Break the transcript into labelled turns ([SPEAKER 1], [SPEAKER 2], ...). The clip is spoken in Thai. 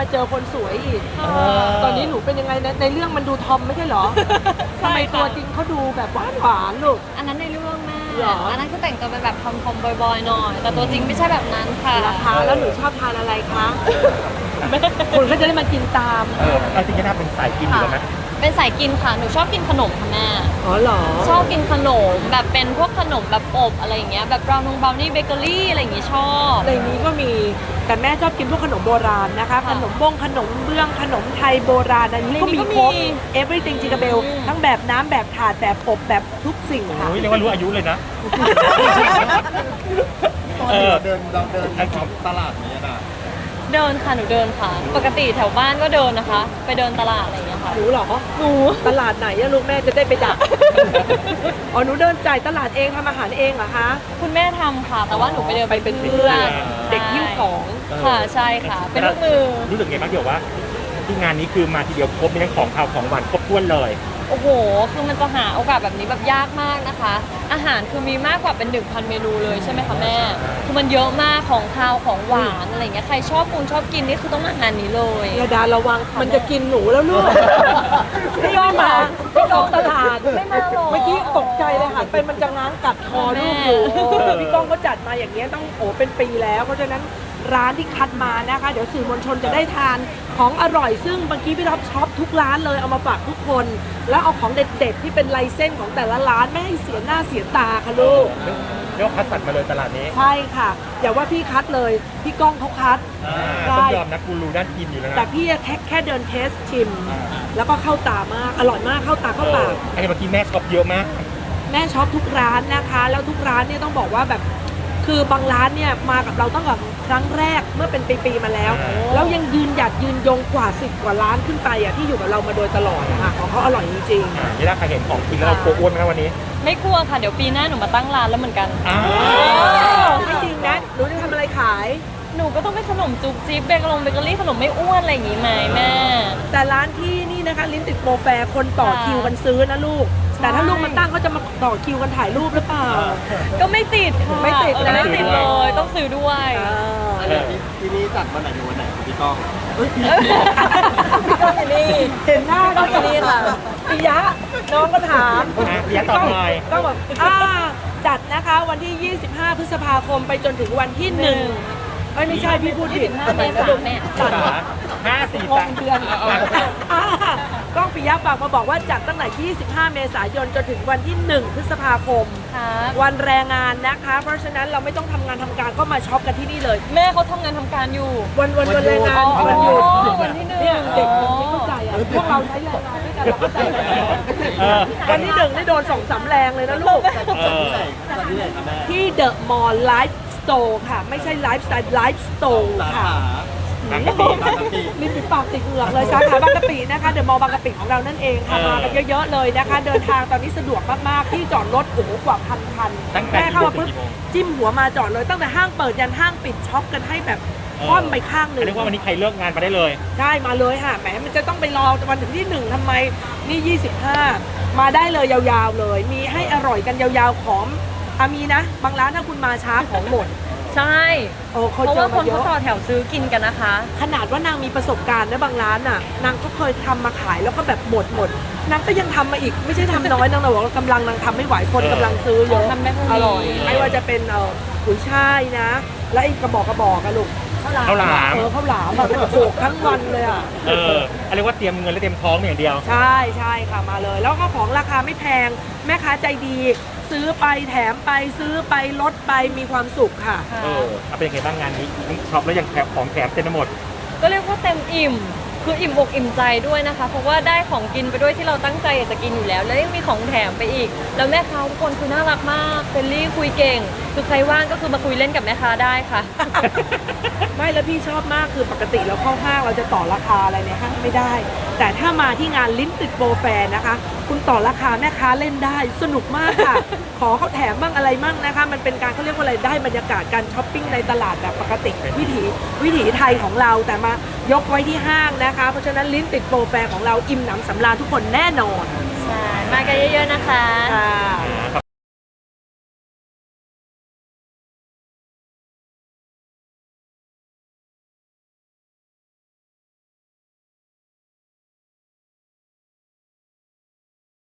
[SPEAKER 1] เจอคนสวยอีกตอนนี้หนูเป็นยังไงในเรื่องมันดูทอมไม่ใช่เหรอทำไมตัวจริงเขาดูแบบหวานลูก
[SPEAKER 2] อันนั้นในเรื่องแม่
[SPEAKER 1] หรอ
[SPEAKER 2] อันนั้นคือแต่งตัวเป็นแบบทอมๆบอยๆหน่อยแต่ตัวจริงไม่ใช่แบบนั้นค่ะ
[SPEAKER 1] ราคาแล้วหนูชอบทานอะไรคะคนก็จะได้มากินตาม
[SPEAKER 3] เอาจริงๆถ้าเป็นสายกินอยู่แล้วไหม
[SPEAKER 2] เป็นสายกินค่ะหนูชอบกินขนมค่ะแม่
[SPEAKER 1] อ๋อเหรอ
[SPEAKER 2] ชอบกินขนมแบบเป็นพวกขนมแบบอบอะไรอย่างเงี้ยแบบบราวนี่เบเกอรี่อะไรอย่างงี้ชอบ
[SPEAKER 1] ในนี้ก็มีแต่แม่ชอบกินพวกขนมโบราณนะคะขนมบ้งขนมเบื้องขนมไทยโบราณอันนี้ก็มีครบ everything จิงกะเบลทั้งแบบน้ำแบบถาดแบบอบแบบทุกสิ่งค่ะ
[SPEAKER 3] โอ้ยเรียกว่ารู้อายุเลยนะ
[SPEAKER 4] ตอนที่เราเดินตลาดนี้นะ
[SPEAKER 2] เดินค่ะหนูเดินค่ะ ปกติแถวบ้านก็เดินนะคะ ไปเดินตลาดอะไรอย่างเงี้ยค่ะ
[SPEAKER 1] หนูเหรอหนูตลาดไหนอะลูกแม่จะได้ไปดัก อ๋อหนูเดินจ่ายตลาดเองทำอาหารเองเหรอคะ
[SPEAKER 2] คุณแม่ทำค่ะ แต่ว่าหนูไปเดิน
[SPEAKER 1] ไปเป็นเพื่อนเด็กหิ้วของ
[SPEAKER 2] ค่ะใช่ค่ะ เป็นลูกมือ
[SPEAKER 3] รู้สึกไงบ้างเดี๋ยวว่าที่งานนี้คือมาทีเดียวครบมีทั้งของข้าวของหวานครบถ้วนเลย
[SPEAKER 2] โอ้โห คือมันจะหาโอกาสแบบนี้แบบยากมากนะคะ อาหารคือมีมากกว่าเป็น 1,000 เมนูเลยใช่ไหมคะแม่ คือมันเยอะมากของคาวของหวานอะไรเงี้ย ใครชอบกินนี่คือต้องมางานนี้เลย
[SPEAKER 1] ระดาระวังมันจะกินหนูแล้วลูกพี่ก็มาพี่ก้องตลาด
[SPEAKER 2] ไม่มาหรอก
[SPEAKER 1] เมื่อกี้ตกใจเลยหันไปมันจะง้างกัดคอลูกอยู่พี่ก้องก็จัดมาอย่างเงี้ยต้องเป็นปีแล้วเพราะฉะนั้นร้านที่คัดมานะคะ เดี๋ยวสื่อมวลชนจะได้ทานของอร่อยซึ่งเมื่อกี้พี่ท็อปช็อปทุกร้านเลยเอามาฝากทุกคน แล้วเอาของเด็ดๆที่เป็นลายเส้นของแต่ละร้านไม่ให้เสียหน้าเสียตาค่ะลูก
[SPEAKER 3] เรียกว่าคัดสรรมาเลยตลาดนี้
[SPEAKER 1] ใช่ค่ะอย่าว่าพี่คัดเลยพี่ก้องเขาคัด
[SPEAKER 3] ต้องยอมนะกูรู้ด้านกินอยู่แล้วนะ
[SPEAKER 1] แต่พี่แค่เดินเทสชิม แล้วก็เข้าตามากอร่อยมากเข้าตาเข้าปาก
[SPEAKER 3] ไอ้เมื่อกี้แม่ช็อปเยอะมาก
[SPEAKER 1] แม่ช็อปทุกร้านนะคะ แล้วทุกร้านเนี่ยต้องบอกว่าแบบคือบางร้านเนี่ยมากับเราตั้งแต่ครั้งแรกเมื่อเป็นปีๆมาแล้ว แล้วยังยืนหยัดยืนยงกว่า10 กว่าร้านขึ้นไปอ่ะที่อยู่กับเรามาโดยตลอดนะคะของเขาอร่อยจริง
[SPEAKER 3] นี่ถ้าใครเห็นของกินแล้วเราโกอ้วนไหมครับวันนี้
[SPEAKER 2] ไม่กลัวค่ะ เดี๋ยวปีหน้าหนูมาตั้งร้านแล้วเหมือนกัน
[SPEAKER 1] ๆไม่จริงนะหนูจะทำอะไรขาย
[SPEAKER 2] หนูก็ต้องเป็นขนมจุ๊บจิ๊บเบเกอรี่ขนมไม่อ้วนอะไรอย่างงี้ไหมแม่
[SPEAKER 1] แต่ร้านที่นี่นะคะลิ้นติดโปรแฟร์คนต่อคิวกันซื้อนะลูก แต่ถ้าลูกมันตั้งเขาจะมาต่อคิวกันถ่ายรูปหรือเปล่า
[SPEAKER 2] ก็ไม่ติดค่ะ
[SPEAKER 1] ไม่ติดนะ
[SPEAKER 2] ไม่ติดเลยต้องซื้อด้วย
[SPEAKER 4] ที่นี่จัดวันไหนถึงวันไหนครับพี่ก้อง
[SPEAKER 1] พี่ก้องอยู่นี่เห็นหน้าก็อยู่นี่ค่ะปิยะน้องก็ถาม
[SPEAKER 3] ปิยะตอบหน่อย
[SPEAKER 1] ก็บอกจัดนะคะวันที่ 25 พฤษภาคมไปจนถึงวันที่1ไม่ใช่พี่พูดผิด
[SPEAKER 2] 25 เมษายนเนี่ย
[SPEAKER 1] จัด
[SPEAKER 3] 5 4
[SPEAKER 1] งงเดือนก้องปิยะฝากมาบอกว่าจัดตั้งแต่25 เมษายนจนถึงวันที่1 พฤษภาคม
[SPEAKER 2] ครับ
[SPEAKER 1] วันแรงงานนะคะ เพราะฉะนั้นเราไม่ต้องทำงานทำการก็มาช็อปกันที่นี่เลย
[SPEAKER 2] แม่เขาทำงานทำการอยู่
[SPEAKER 1] วันแรงงาน
[SPEAKER 2] อ๋อ
[SPEAKER 1] วันหยุด
[SPEAKER 2] วันที่หนึ่ง
[SPEAKER 1] เนี่ยเด็กไม่เข้าใจอ่ะพวกเราใช้แรงงานด้วยกันเราเข้าใจไหมวันที่1ได้โดน2-3 แรงเลยนะลูก
[SPEAKER 4] จัดที่ไหนครับแม่
[SPEAKER 1] ที่เดอะมอลล์ไลฟ์สโตร์ค่ะ ไม่ใช่ไลฟ์สไตล์ไลฟ์สโตร์
[SPEAKER 4] สา
[SPEAKER 1] ค่ะ
[SPEAKER 4] ขา
[SPEAKER 3] บางกะปิ
[SPEAKER 4] บางกะปิ
[SPEAKER 1] ลิ้นปิดปากติดเหงือกเลยสาขาบางกะปินะคะเดอะมอลล์บางกะปิของเรานั่นเองค่ะมากันเยอะๆเลยนะคะ เดินทางตอนนี้สะดวกมากๆที่จอดรถโอ้โหกว่า1,000 คัน
[SPEAKER 3] ตั้งแต่
[SPEAKER 1] แม่เข้ามาปุ๊บจิ้มหัวมาจอดเลยตั้งแต่ห้างเปิดยันห้างปิดช็อปกันให้แบบคว่ำไปข้างหนึ่ง
[SPEAKER 3] เรียกว่าวันนี้ใครเลิกงานมาได้เลย
[SPEAKER 1] ได้มาเลยค่ะแหมมันจะต้องไปรอวันถึงที่1ทำไมนี่ 25 มาได้เลยยาวๆเลย มีให้อร่อยกันยาวๆของมีนะ บางร้านถ้าคุณมาช้าของหมด
[SPEAKER 2] ใช่
[SPEAKER 1] โอ้
[SPEAKER 2] เพ
[SPEAKER 1] เขา
[SPEAKER 2] ราะ
[SPEAKER 1] เจอ
[SPEAKER 2] ว่าค
[SPEAKER 1] มาน เย
[SPEAKER 2] เขา
[SPEAKER 1] อะ
[SPEAKER 2] ต่อแถวซื้อกินกันนะคะ
[SPEAKER 1] ขนาดว่านางมีประสบการณ์นะบางร้านน่ะนางก็เคยทำมาขายแล้วก็แบบหมดนางก็ยังทำมาอีกไม่ใช่ทำน้อยนางบอกว่ากำลังนางทำไม่ไหวคนกำลังซื้อเยอะ
[SPEAKER 2] ทำได้เท่านี้
[SPEAKER 1] อร่อยไม่ว่าจะเป็นกุยช่ายนะ แล้วไอ้กระบอกอะลูกข้าวหลาม
[SPEAKER 3] ข้าวหลาม
[SPEAKER 1] ข้าวหลามแบบโขกทั้งวันเลยอ่ะ
[SPEAKER 3] เรียกว่าเตรียมเงินและเตรียมท้องอย่างเดียว
[SPEAKER 1] ใช่ค่ะมาเลย แล้วก็ของราคาไม่แพงแม่ค้าใจดี ซื้อไปแถมไปซื้อไปลดไปมีความสุขค่ะ
[SPEAKER 3] เอาเป็นยังไงบ้างงานนี้ทั้งช็อปแล้วยังแถมของแถมเต็มไปหมด
[SPEAKER 2] ก็เรียกว่าเต็มอิ่ม คืออิ่มอกอิ่มใจด้วยนะคะ เพราะว่าได้ของกินไปด้วยที่เราตั้งใจอยากจะกินอยู่แล้ว แล้วยังมีของแถมไปอีก แล้วแม่ค้าทุกคนคือน่ารักมากเฟรนลี่คุยเก่ง คือใครว่างก็คือมาคุยเล่นกับแม่ค้าได้ค่ะ
[SPEAKER 1] ไม่แล้วพี่ชอบมากคือปกติเราเข้าห้างเราจะต่อราคาอะไรในห้างไม่ได้ แต่ถ้ามาที่งานลิ้นติดโปรแฟร์นะคะ คุณต่อราคาแม่ค้าเล่นได้สนุกมากค่ะ ขอเขาแถมบ้างอะไรบ้างนะคะ มันเป็นการเขาเรียกว่าอะไรได้บรรยากาศการช้อปปิ้งในตลาดแบบปกติวิถีไทยของเราแต่มายกไว้ที่ห้างนะคะ เพราะฉะนั้นลิ้นติดโปรแฟร์ของเราอิ่มหนำสำราญทุกคนแน่นอน
[SPEAKER 2] ใช่ มากันเยอะๆนะคะ
[SPEAKER 1] ค่ะ